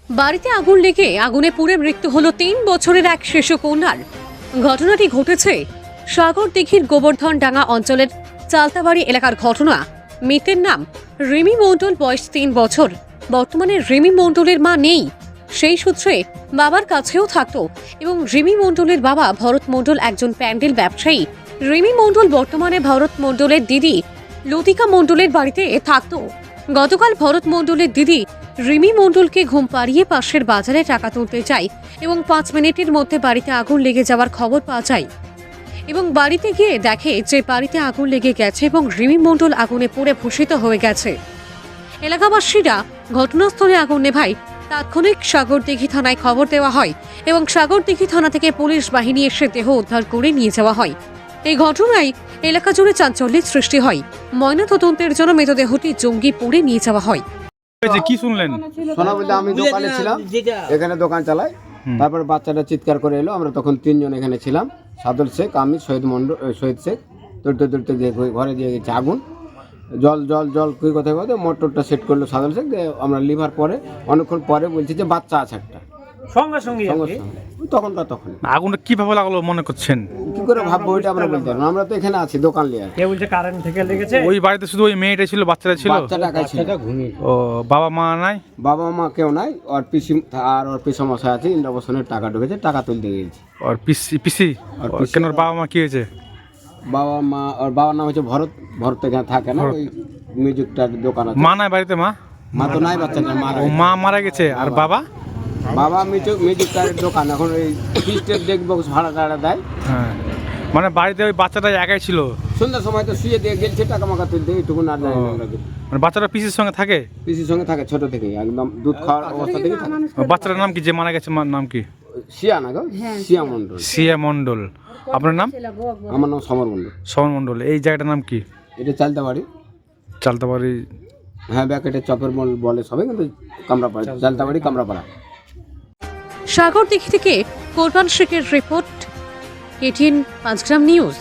বাড়িতে আগুন লেগে আগুনে পুড়ে মৃত্যু হলো ৩ বছরের এক শিশু কন্যার। ঘটনাটি ঘটেছে সাগরদিঘির গোবর্ধনডাঙ্গা অঞ্চলের চালতাবাড়ি এলাকার ঘটনা। মৃতের নাম রিমি মণ্ডল, বয়স ৩ বছর। বর্তমানে রিমি মণ্ডলের মা নেই, সেই সূত্রে বাবার কাছেও থাকতো এবং রিমি মণ্ডলের বাবা ভরত মণ্ডল একজন প্যান্ডেল ব্যবসায়ী। রিমি মণ্ডল বর্তমানে ভরত মণ্ডলের দিদি লতিকা মণ্ডলের বাড়িতে থাকতো। গতকাল ভরত মণ্ডলের দিদি রিমি মণ্ডলকে ঘুম পাড়িয়ে পাশের বাজারে টাকা তুলতে যায় এবং ৫ মিনিটের মধ্যে বাড়িতে আগুন লেগে যাওয়ার খবর পাওয়া যায় এবং বাড়িতে গিয়ে দেখে যে বাড়িতে আগুন লেগে গেছে এবং রিমি মণ্ডল আগুনে পুড়ে ভূষিত হয়ে গেছে। এলাকাবাসীরা ঘটনাস্থলে আগুন নেভায় তাৎক্ষণিক সাগরদিঘি থানায় খবর দেওয়া হয় এবং সাগরদিঘি থানা থেকে পুলিশ বাহিনী এসে দেহ উদ্ধার করে নিয়ে যাওয়া হয়। এই ঘটনায় এলাকা জুড়ে চাঞ্চল্যের সৃষ্টি হয়। ময়নাতদন্তের জন্য মৃতদেহটি জঙ্গিপুরে নিয়ে যাওয়া হয়। কি শুনলেন? শোনা বলতে আমি দোকানে ছিলাম, এখানে দোকান চালাই। তারপর বাচ্চাটা চিৎকার করে এলো, আমরা তখন 3 জন এখানে ছিলাম, সাদর শেখ, আমি, শহীদ শেখ। দৌড়তে গিয়ে ঘরে দিয়ে গেছে আগুন, জল জল জল কই কথায় কথা মোটরটা সেট করলো সাদর শেখ। আমরা লিভার পরে অনেকক্ষণ পরে বলছি যে বাচ্চা আছে একটা, সঙ্গে সঙ্গে তখন আগুনটা কিভাবে লাগলো মনে করছেন? কি করে ভাববো ওইটা আমরা বলতে পারবো না, আমরা তো এখানে আছি দোকান নিয়ে। কেউ বলছে কারেন্ট থেকে লেগেছে। ওই বাড়িতে শুধু ওই মেয়েটা ছিল, বাচ্চাটা ছিল? বাচ্চাটা একাই ছিল। ও বাবা মা নাই? বাবা মা কেউ নাই। ওর পিসি আর ওর পিসমশাই আছে, ইন্দ্রবসনের টাকা ঢুকেছে, টাকা তুলতে গিয়েছি। ওর পিসি কেন? ওর বাবা মা কি হয়েছে? বাবা মা, ওর বাবার নাম হচ্ছে ভরত। ভরত এখানে থাকে না, ওই মিউজিকটার দোকান আছে। মা নাই বাড়িতে? মা তো নাই, বাচ্চাটা মারা ও মা মারা গেছে। আর বাবা? বাবা মিউজিকটার দোকান, এখন ওই ফিস্টের ডেক বক্স ভাড়া টাড়া দেয়। হ্যাঁ, মানে বাড়িতে ওই বাচ্চাটা একাই ছিল? সন্ধ্যার সময় তো শুয়ে দিয়ে গেছে টাকা মাকা তুলতে, এইটুকু না জানি না আমরা। মানে বাচ্চাটা পিসির সঙ্গে থাকে? পিসির সঙ্গে থাকে ছোট থেকে, একদম দুধ খাওয়ার অবস্থা থেকে থাকে। বাচ্চাটার নাম কি যে মারা গেছে? নাম কি? শিয়া না গো, শিয়া মণ্ডল। সিয়া মণ্ডল। আপনার নাম? আমার নাম সমর মণ্ডল। সমর মণ্ডল। এই জায়গাটার নাম কি? এটা চালতাবাড়ি। চালতাবাড়ি? হ্যাঁ, ব্যাকেটে চপের মল বলে সবাই, কিন্তু কামরাপাড়া, চালতাবাড়ি কামরাপাড়া। সাগরদিঘি থেকে কোরবান শেখের রিপোর্ট, KTN 5 গ্রাম নিউজ।